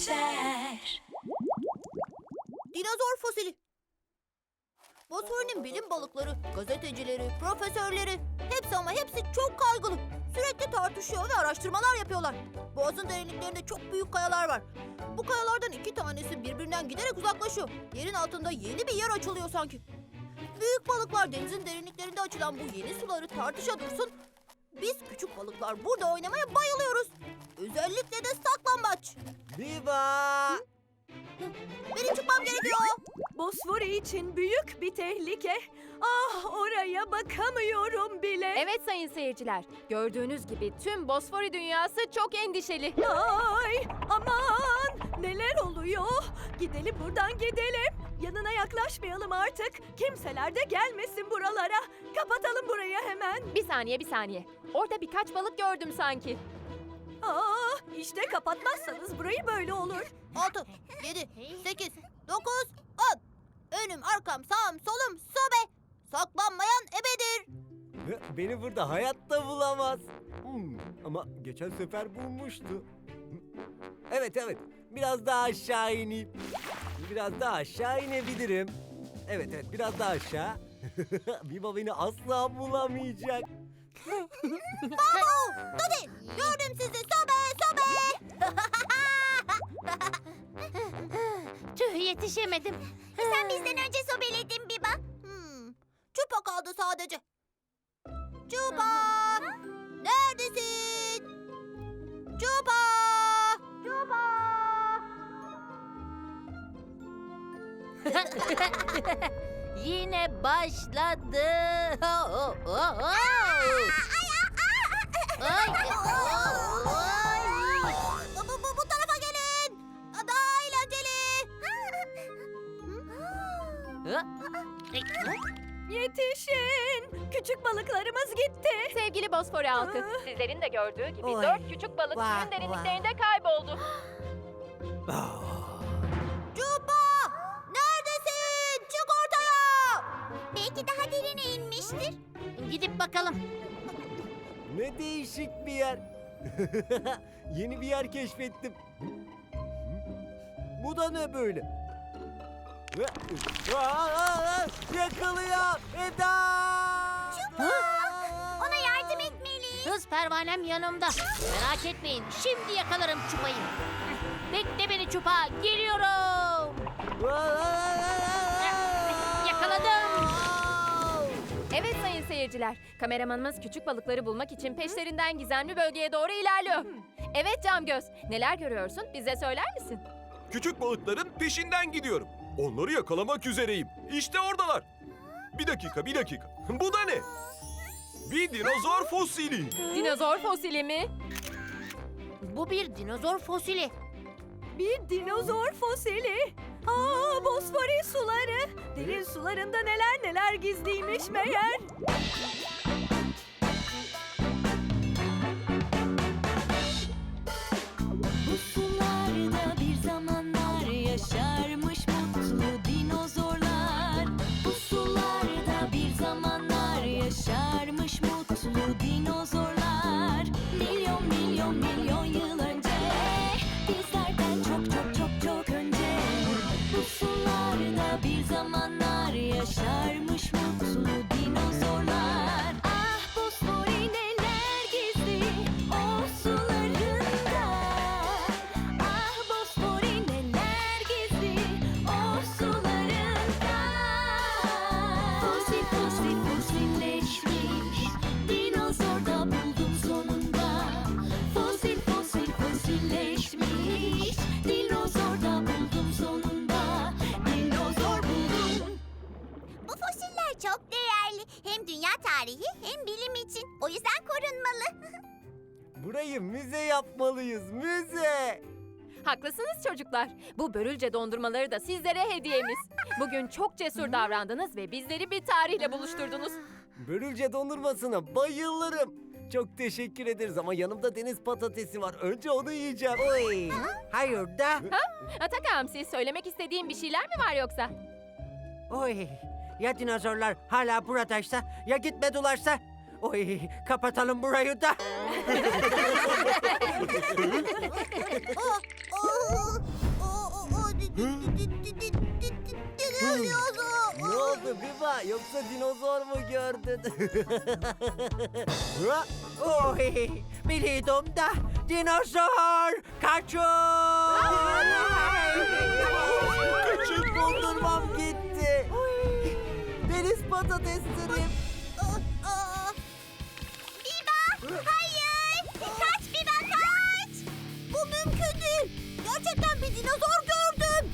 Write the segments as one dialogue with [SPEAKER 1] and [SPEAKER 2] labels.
[SPEAKER 1] geçer.
[SPEAKER 2] Dinozor fosili. Bosfor'un bilim balıkları, gazetecileri, profesörleri hepsi ama hepsi çok kaygılı. Sürekli tartışıyor ve araştırmalar yapıyorlar. Boğazın derinliklerinde çok büyük kayalar var. Bu kayalardan 2 tanesi birbirinden giderek uzaklaşıyor. Yerin altında yeni bir yer açılıyor sanki. Büyük balıklar denizin derinliklerinde açılan bu yeni suları tartışa dursun. Biz küçük balıklar burada oynamaya bayılıyoruz. Özellikle de saklambaç.
[SPEAKER 3] Viva!
[SPEAKER 2] Benim çıkmam gerekiyor.
[SPEAKER 4] Bosfori için büyük bir tehlike. Ah, oraya bakamıyorum bile.
[SPEAKER 5] Evet sayın seyirciler, gördüğünüz gibi tüm Bosfori dünyası çok endişeli.
[SPEAKER 4] Ay, aman, neler oluyor? Gidelim buradan, gidelim. Yanına yaklaşmayalım artık. Kimseler de gelmesin buralara. Kapatalım burayı hemen.
[SPEAKER 5] Bir saniye. Orada birkaç balık gördüm sanki.
[SPEAKER 4] İşte kapatmazsanız burayı böyle olur.
[SPEAKER 2] 6, 7, 8, 9, 10. Önüm, arkam, sağım, solum, sobe. Saklanmayan ebedir.
[SPEAKER 3] Beni burada hayatta bulamaz. Ama geçen sefer bulmuştu. Evet. Biraz daha aşağı ineyim. Biraz daha aşağı inebilirim. Evet, biraz daha aşağı. Viva beni asla bulamayacak.
[SPEAKER 2] Babu, Dodi, gördüm sizi. Sobe.
[SPEAKER 6] Tüh, yetişemedim. Sen bizden önce sobeledin Biba.
[SPEAKER 2] Çupa kaldı sadece. Çupa! Neredesin? Çupa!
[SPEAKER 6] Yine başladı.
[SPEAKER 2] Bu tarafa gelin. Daha eğlenceli.
[SPEAKER 4] Yetişin. Küçük balıklarımız gitti.
[SPEAKER 5] Sevgili Bosfori halkı, sizlerin de gördüğü gibi
[SPEAKER 3] Oy.
[SPEAKER 5] 4 küçük balık
[SPEAKER 3] Vah,
[SPEAKER 5] suyun derinliklerinde kayboldu.
[SPEAKER 2] Çupa! Neredesin? Çık ortaya.
[SPEAKER 6] Belki daha derine inmiştir. Gidip bakalım.
[SPEAKER 3] Ne değişik bir yer. Yeni bir yer keşfettim. Bu da ne böyle? Yakalıyor Eda!
[SPEAKER 6] Ona yardım etmeliyiz. Hız pervanem yanımda. Merak etmeyin. Şimdi yakalarım Çupa'yı. Bekle beni Çupa. Geliyorum. Yakaladım.
[SPEAKER 5] Evet sayın seyirciler, kameramanımız küçük balıkları bulmak için peşlerinden gizemli bölgeye doğru ilerliyor. Evet Camgöz, neler görüyorsun? Bize söyler misin?
[SPEAKER 7] Küçük balıkların peşinden gidiyorum. Onları yakalamak üzereyim. İşte oradalar. Bir dakika. Bu da ne? Bir dinozor fosili.
[SPEAKER 5] Dinozor fosili mi?
[SPEAKER 6] Bu bir dinozor fosili.
[SPEAKER 4] Bir dinozor fosili. Bosfori suları. Derin sularında neler gizliymiş meğer.
[SPEAKER 1] Bu sularda bir zamanlar yaşarmış mutlu dinozorlar. Bu sularda bir zamanlar yaşarmış mutlu dinozorlar. Milyon yıl önce, bizlerden çok önce. Bu sularda bir zamanlar yaşarmış mutlu dinozorlar. Ah, Bosfori neler gizli o sularında. Ah, Bosfori neler gizli o sularında. Fosilleşmiş dinozor da buldum sonunda. Fosilleşmiş dinozor da buldum sonunda. Dinozor buldum.
[SPEAKER 6] Bu fosiller çok değerli. Hem dünya tarihi hem bilim için. O yüzden korunmalı.
[SPEAKER 3] Burayı müze yapmalıyız, müze!
[SPEAKER 5] Haklısınız çocuklar. Bu börülce dondurmaları da sizlere hediyemiz. Bugün çok cesur davrandınız ve bizleri bir tarihle buluşturdunuz.
[SPEAKER 3] Börülce dondurmasına bayılırım. Çok teşekkür ederiz ama yanımda deniz patatesi var. Önce onu yiyeceğim. Oy. Hayır da.
[SPEAKER 5] Atak Hamsi, söylemek istediğin bir şeyler mi var yoksa?
[SPEAKER 8] Oy, ya dinozorlar hala buradaysa, ya gitmedilerse? Oy, kapatalım burayı da.
[SPEAKER 2] Oh, oh.
[SPEAKER 3] Ne oldu Biba? Yoksa dinozor mu gördün? Ha?
[SPEAKER 8] Oy, biliyordum da dinozor kaçın!
[SPEAKER 3] Küçük dondurmam gitti. Deniz patateslerim.
[SPEAKER 2] Biba! Hayır! Kaç Biba kaç! Bu mümkün değil. Gerçekten bir dinozor gördüm.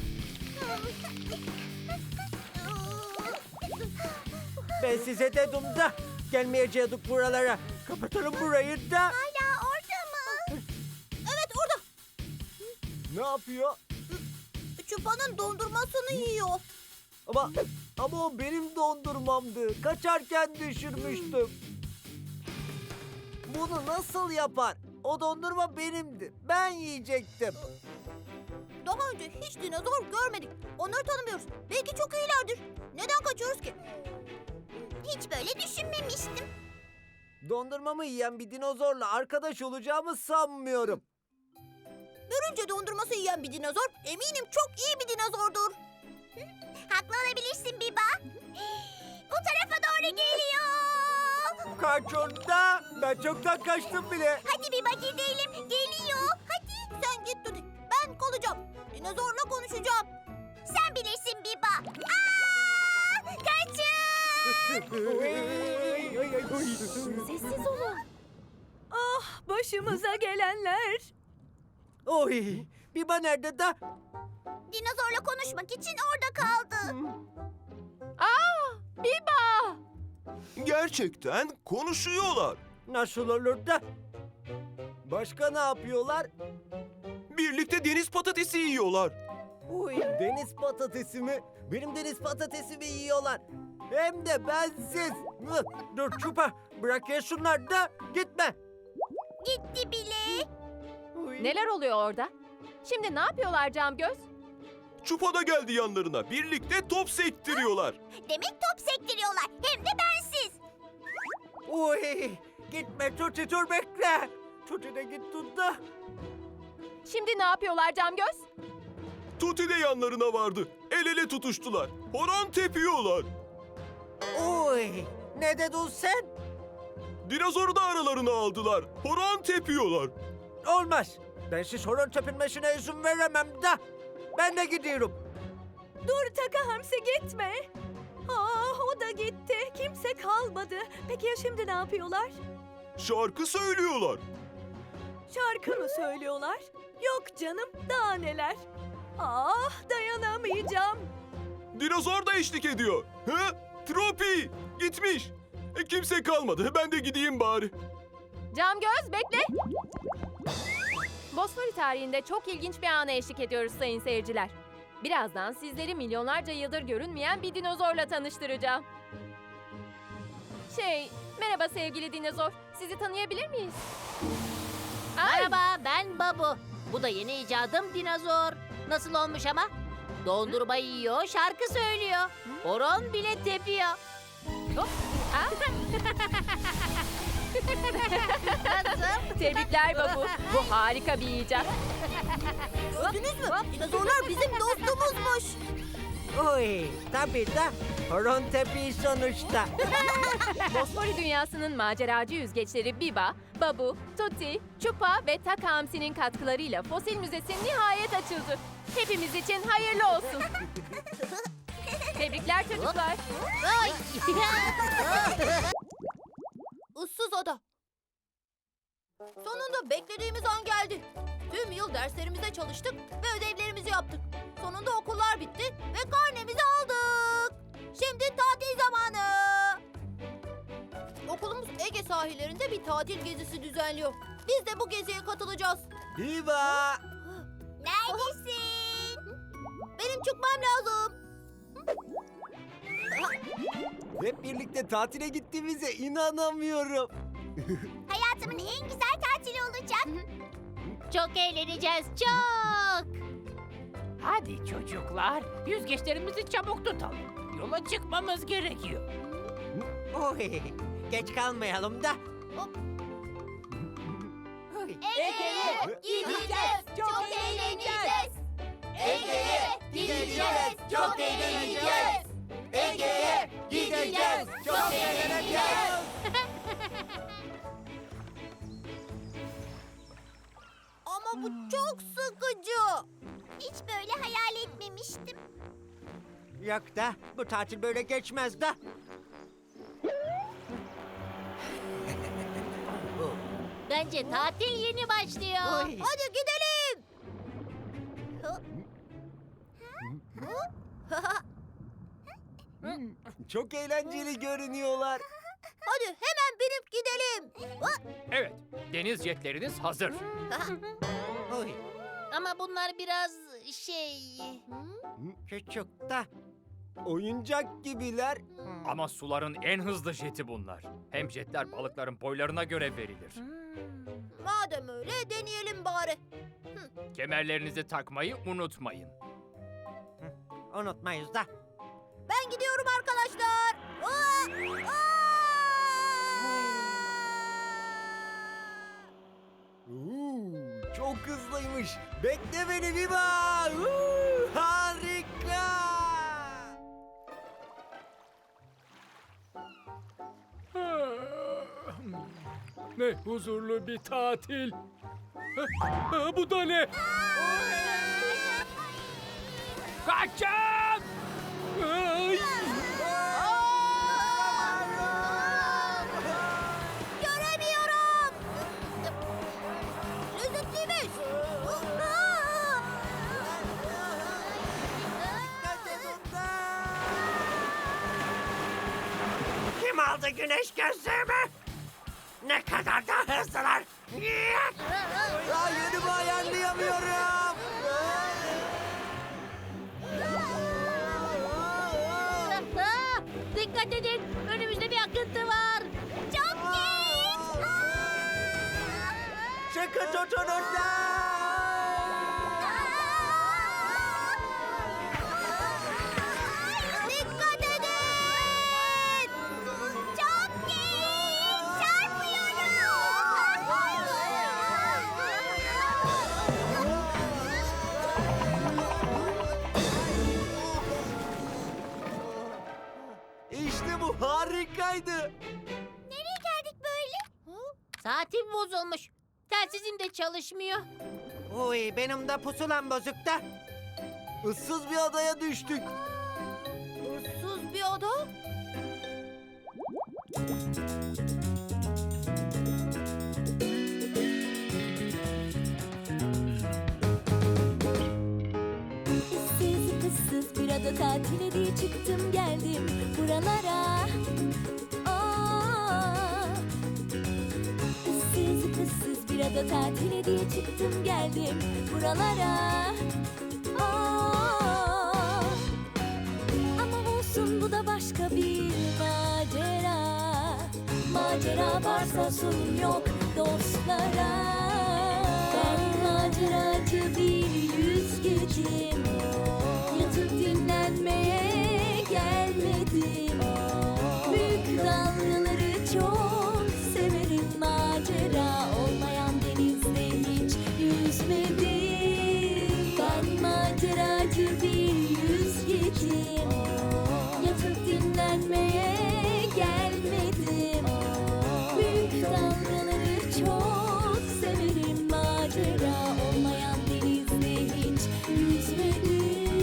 [SPEAKER 8] Ben size dedim da gelmeyecektik buralara. Kapatalım burayı da.
[SPEAKER 2] Hala orada mı? Evet orada.
[SPEAKER 3] Ne yapıyor?
[SPEAKER 2] Çupa'nın dondurmasını yiyor.
[SPEAKER 3] Ama o benim dondurmamdı. Kaçarken düşürmüştüm. Bunu nasıl yapar? O dondurma benimdi. Ben yiyecektim.
[SPEAKER 2] Daha önce hiç dinozor görmedik. Onları tanımıyoruz. Belki çok iyilerdir. Neden kaçıyoruz ki? Hiç böyle düşünmemiştim.
[SPEAKER 3] Dondurmamı yiyen bir dinozorla arkadaş olacağımı sanmıyorum.
[SPEAKER 2] Görünce dondurması yiyen bir dinozor eminim çok iyi bir dinozordur. Haklı olabilirsin Biba. Bu tarafa doğru geliyor.
[SPEAKER 8] Kaçın da. Ben çoktan kaçtım bile.
[SPEAKER 2] Hadi Biba gidelim. Geliyor. Hadi. Sen git Tuti. Ben kalacağım. Dinozorla konuşacağım. Sen bilirsin Biba. Aa! Kaçın!
[SPEAKER 5] Sessiz olun.
[SPEAKER 4] Ah, başımıza gelenler.
[SPEAKER 8] Oy, Biba nerede da?
[SPEAKER 2] Dinozorla konuşmak için orada kaldı.
[SPEAKER 5] Biba!
[SPEAKER 7] Gerçekten konuşuyorlar.
[SPEAKER 8] Nasıl olur da?
[SPEAKER 3] Başka ne yapıyorlar?
[SPEAKER 7] Birlikte deniz patatesi yiyorlar.
[SPEAKER 3] Uy, deniz patatesi mi? Benim deniz patatesimi yiyorlar. Hem de bensiz. Mıh!
[SPEAKER 8] Dur Çupa, bırak yesinler da gitme.
[SPEAKER 2] Gitti bile.
[SPEAKER 8] Uy.
[SPEAKER 5] Neler oluyor orada? Şimdi ne yapıyorlar Camgöz?
[SPEAKER 7] Çupa da geldi yanlarına. Birlikte top sektiriyorlar.
[SPEAKER 2] Demek top sektiriyorlar. Hem de bensiz.
[SPEAKER 8] Uy, gitme Tuti dur bekle. Tuti de gitti da.
[SPEAKER 5] Şimdi ne yapıyorlar Camgöz?
[SPEAKER 7] Tuti de yanlarına vardı. El ele tutuştular. Horon tepiyorlar.
[SPEAKER 8] Uy, ne dedin sen?
[SPEAKER 7] Dinozoru da aralarına aldılar. Horon tepiyorlar.
[SPEAKER 8] Olmaz. Ben siz horon tepinmesine izin veremem da. Ben de gidiyorum.
[SPEAKER 4] Dur Taka Hamsi gitme. Ah, o da gitti. Kimse kalmadı. Peki ya şimdi ne yapıyorlar?
[SPEAKER 7] Şarkı söylüyorlar.
[SPEAKER 4] Şarkı mı söylüyorlar? Yok canım, daha neler. Ah, dayanamayacağım.
[SPEAKER 7] Dinozor da eşlik ediyor. He? Tropi gitmiş. Kimse kalmadı. Ben de gideyim bari.
[SPEAKER 5] Camgöz bekle. Bosfori tarihinde çok ilginç bir ana eşlik ediyoruz sayın seyirciler. Birazdan sizleri milyonlarca yıldır görünmeyen bir dinozorla tanıştıracağım. Merhaba sevgili dinozor. Sizi tanıyabilir miyiz? Ay,
[SPEAKER 6] Merhaba, ben Babu. Bu da yeni icadım dinozor. Nasıl olmuş ama? Dondurma yiyor, şarkı söylüyor. Horon bile tepiyor. Nasıl?
[SPEAKER 5] Tebrikler Babu. Bu harika bir icat.
[SPEAKER 2] Gördünüz mü? Dinozorlar bizim dostumuzmuş.
[SPEAKER 8] Uy, tabii da horon tepi sonuçta.
[SPEAKER 5] Bosfori dünyasının maceracı yüzgeçleri Biba, Babu, Tuti, Çupa ve Taka Hamsi'nin katkılarıyla Fosil Müzesi nihayet açıldı. Hepimiz için hayırlı olsun. Tebrikler çocuklar.
[SPEAKER 6] Ay!
[SPEAKER 2] Issız ada. Sonunda beklediğimiz an geldi. Tüm yıl derslerimize çalıştık ve ödevlerimizi yaptık. Sonunda okullar bitti ve karnemizi aldık. Şimdi tatil zamanı. Okulumuz Ege sahillerinde bir tatil gezisi düzenliyor. Biz de bu geziye katılacağız.
[SPEAKER 3] Biba!
[SPEAKER 2] Neredesin? Benim çıkmam lazım.
[SPEAKER 3] Hep birlikte tatile gittiğimize inanamıyorum.
[SPEAKER 2] Hayatımın en güzel tatili olacak.
[SPEAKER 6] Çok eğleneceğiz, çok.
[SPEAKER 9] Hadi çocuklar, yüzgeçlerimizi çabuk tutalım. Yola çıkmamız gerekiyor.
[SPEAKER 8] Uy, geç kalmayalım da. Uy.
[SPEAKER 2] Ege'ye gideceğiz. Çok eğleneceğiz. Ege'ye gideceğiz, çok eğleneceğiz. Ege'ye gideceğiz, çok eğleneceğiz. Ama bu çok sıkıcı. Hiç böyle hayal etmemiştim.
[SPEAKER 8] Yok da bu tatil böyle geçmez de.
[SPEAKER 6] Bence tatil yeni başlıyor.
[SPEAKER 8] Oy.
[SPEAKER 2] Hadi gidelim.
[SPEAKER 3] Çok eğlenceli görünüyorlar.
[SPEAKER 2] Hadi hemen binip gidelim.
[SPEAKER 9] Evet, deniz jetleriniz hazır.
[SPEAKER 8] Oy.
[SPEAKER 6] Ama bunlar biraz şey...
[SPEAKER 8] Küçük de.
[SPEAKER 3] Oyuncak gibiler.
[SPEAKER 9] Ama suların en hızlı jeti bunlar. Hem jetler balıkların boylarına göre verilir.
[SPEAKER 2] Madem öyle deneyelim bari.
[SPEAKER 9] Kemerlerinizi takmayı unutmayın.
[SPEAKER 8] Unutmayız da.
[SPEAKER 2] Ben gidiyorum arkadaşlar.
[SPEAKER 3] Çok hızlıymış. Bekle beni Biba. Harika.
[SPEAKER 10] Ne huzurlu bir tatil. Bu da ne?
[SPEAKER 9] Kaçın!
[SPEAKER 10] Ay!
[SPEAKER 2] Göremiyorum. Lezzetliymiş.
[SPEAKER 8] Kim aldı güneş gözlüğümü? Ne kadar da hızlılar.
[SPEAKER 3] Ya yönümü ayarlayamıyorum.
[SPEAKER 6] Dikkat edin, önümüzde bir akıntı var. Çok geç.
[SPEAKER 3] Sıkı tutunun da.
[SPEAKER 2] Dikkat edin. Çok geç.
[SPEAKER 3] İşte bu harikaydı.
[SPEAKER 2] Nereye geldik böyle?
[SPEAKER 6] Saatim bozulmuş. Telsizim de çalışmıyor.
[SPEAKER 8] Oy benim de pusulam bozuk da.
[SPEAKER 3] Issız bir adaya düştük.
[SPEAKER 2] Issız bir ada.
[SPEAKER 1] Issız kızsız bir ada tatile diye çıktım geldim buralara. Aa, ıssız kızsız bir ada tatile diye çıktım geldim buralara. Aa, ama olsun bu da başka bir macera. Macera varsa sorun yok dostlara. Ben maceracı bir yüzgecim. Yatıp dinlenmeye gelmedim. Büyük dalgaları çok severim. Macera olmayan denizde hiç yüzmedim. Ben maceracı bir yüzgecim. Yatıp dinlenmeye gelmedim. Büyük dalgaları çok severim. Macera olmayan denizde hiç yüzmedim.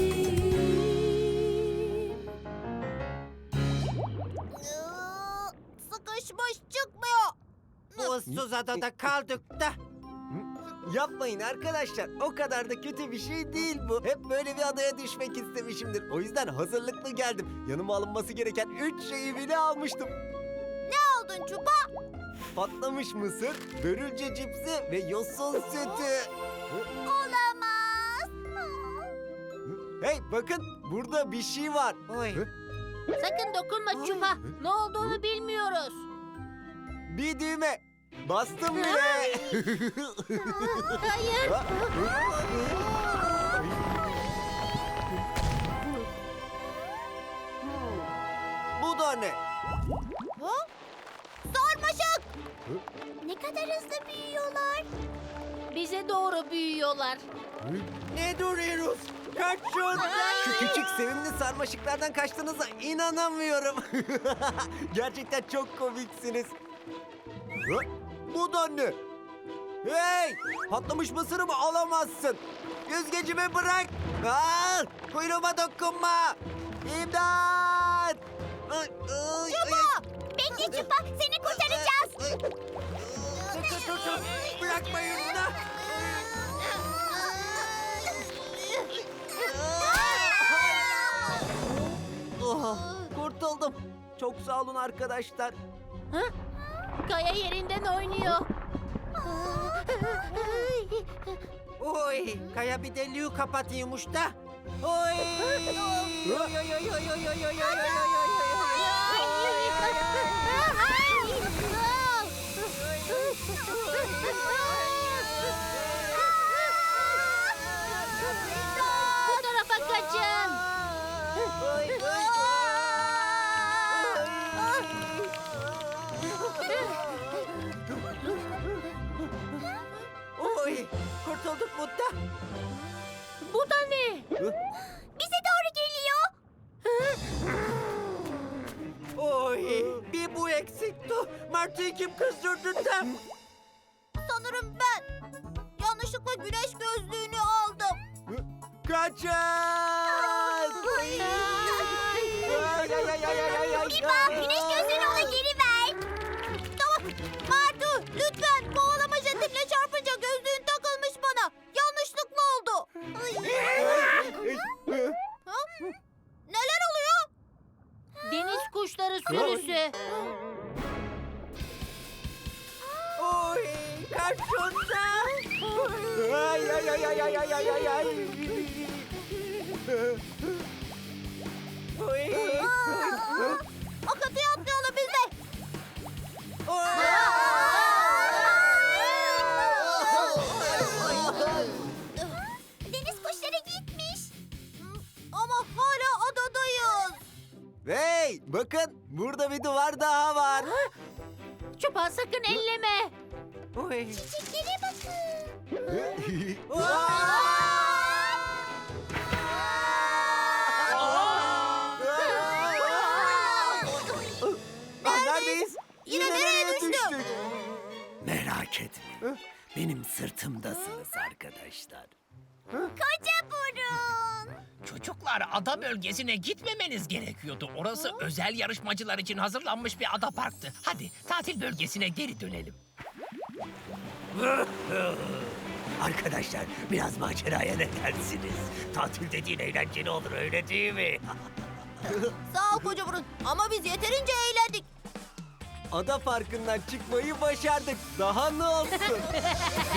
[SPEAKER 2] Sıkışmış çıkmıyor.
[SPEAKER 8] Bu ıssız adada kaldık da.
[SPEAKER 3] Yapmayın arkadaşlar. O kadar da kötü bir şey değil bu. Hep böyle bir adaya düşmek istemişimdir. O yüzden hazırlıklı geldim. Yanıma alınması gereken 3 şeyi bile almıştım.
[SPEAKER 2] Aldın çupa.
[SPEAKER 3] Patlamış mısır, börülce cipsi ve yosun sütü.
[SPEAKER 2] Olamaz.
[SPEAKER 3] Hey bakın burada bir şey var.
[SPEAKER 8] Oy.
[SPEAKER 6] Sakın dokunma Çupa. Ne olduğunu bilmiyoruz.
[SPEAKER 3] Bir düğme. Bastım bile.
[SPEAKER 6] Hayır.
[SPEAKER 3] Bu da ne?
[SPEAKER 2] Sarmaşık. Ne kadar hızlı büyüyorlar.
[SPEAKER 6] Bize doğru büyüyorlar.
[SPEAKER 8] Ne duruyoruz? Kaçın!
[SPEAKER 3] Şu küçük sevimli sarmaşıklardan kaçtığınıza inanamıyorum. Gerçekten çok komiksiniz. Hı? Bu da ne? Hey! Patlamış mısırımı alamazsın. Yüzgecimi bırak. Aa, kuyruğuma dokunma. İmdat! Çupa!
[SPEAKER 2] Bekle Çupa, seni kurtaracağız.
[SPEAKER 8] Tutun! Bırakmayın da!
[SPEAKER 3] Oh, kurtuldum. Çok sağ olun arkadaşlar.
[SPEAKER 6] Kaya yerinden oynuyor.
[SPEAKER 8] Oy! Kaya bir deliği kapatıyormuş da. Oy! Oy, oy, oy, oy, oy, oy, oy, oy,
[SPEAKER 6] Bu tarafa kaçın.
[SPEAKER 8] Oy! Kurtulduk Mutta.
[SPEAKER 6] Bu da ne?
[SPEAKER 2] Bize doğru geliyor.
[SPEAKER 8] Oy! Bir bu eksikti. Martı'yı kim kızdırdı da?
[SPEAKER 2] Sanırım ben yanlışlıkla güneş gözlüğünü aldım.
[SPEAKER 3] Kaçın!
[SPEAKER 2] Biba, güneş gözlüğünü ona geri ver. Tamam. Martu, lütfen kovalama jetimle çarpınca gözlüğün takılmış bana. Yanlışlıkla oldu. Ha? Neler oluyor?
[SPEAKER 6] Deniz kuşları sürüsü.
[SPEAKER 8] Oy! Kaçın da!
[SPEAKER 3] Ay ay ay ay ay ay ay ay ay.
[SPEAKER 8] Oy!
[SPEAKER 2] Akıntıya atlayalım biz de. Deniz kuşları gitmiş. Ama hala adadayız.
[SPEAKER 3] Hey, bakın burada bir duvar daha var.
[SPEAKER 6] Çupa sakın elleme.
[SPEAKER 8] Oy!
[SPEAKER 2] Çiçeklere bakın.
[SPEAKER 3] Neredeyiz?
[SPEAKER 2] Yine nereye düştük?
[SPEAKER 3] Merak etme. Benim sırtımdasınız arkadaşlar.
[SPEAKER 2] Koca burun.
[SPEAKER 11] Çocuklar ada bölgesine gitmemeniz gerekiyordu. Orası özel yarışmacılar için hazırlanmış bir ada parktı. Hadi tatil bölgesine geri dönelim.
[SPEAKER 3] Arkadaşlar biraz maceraya ne dersiniz? Tatil dediğin eğlenceli olur öyle değil mi?
[SPEAKER 2] Sağ ol koca burun. Ama biz yeterince eğlendik.
[SPEAKER 3] Ada parkından çıkmayı başardık. Daha ne olsun?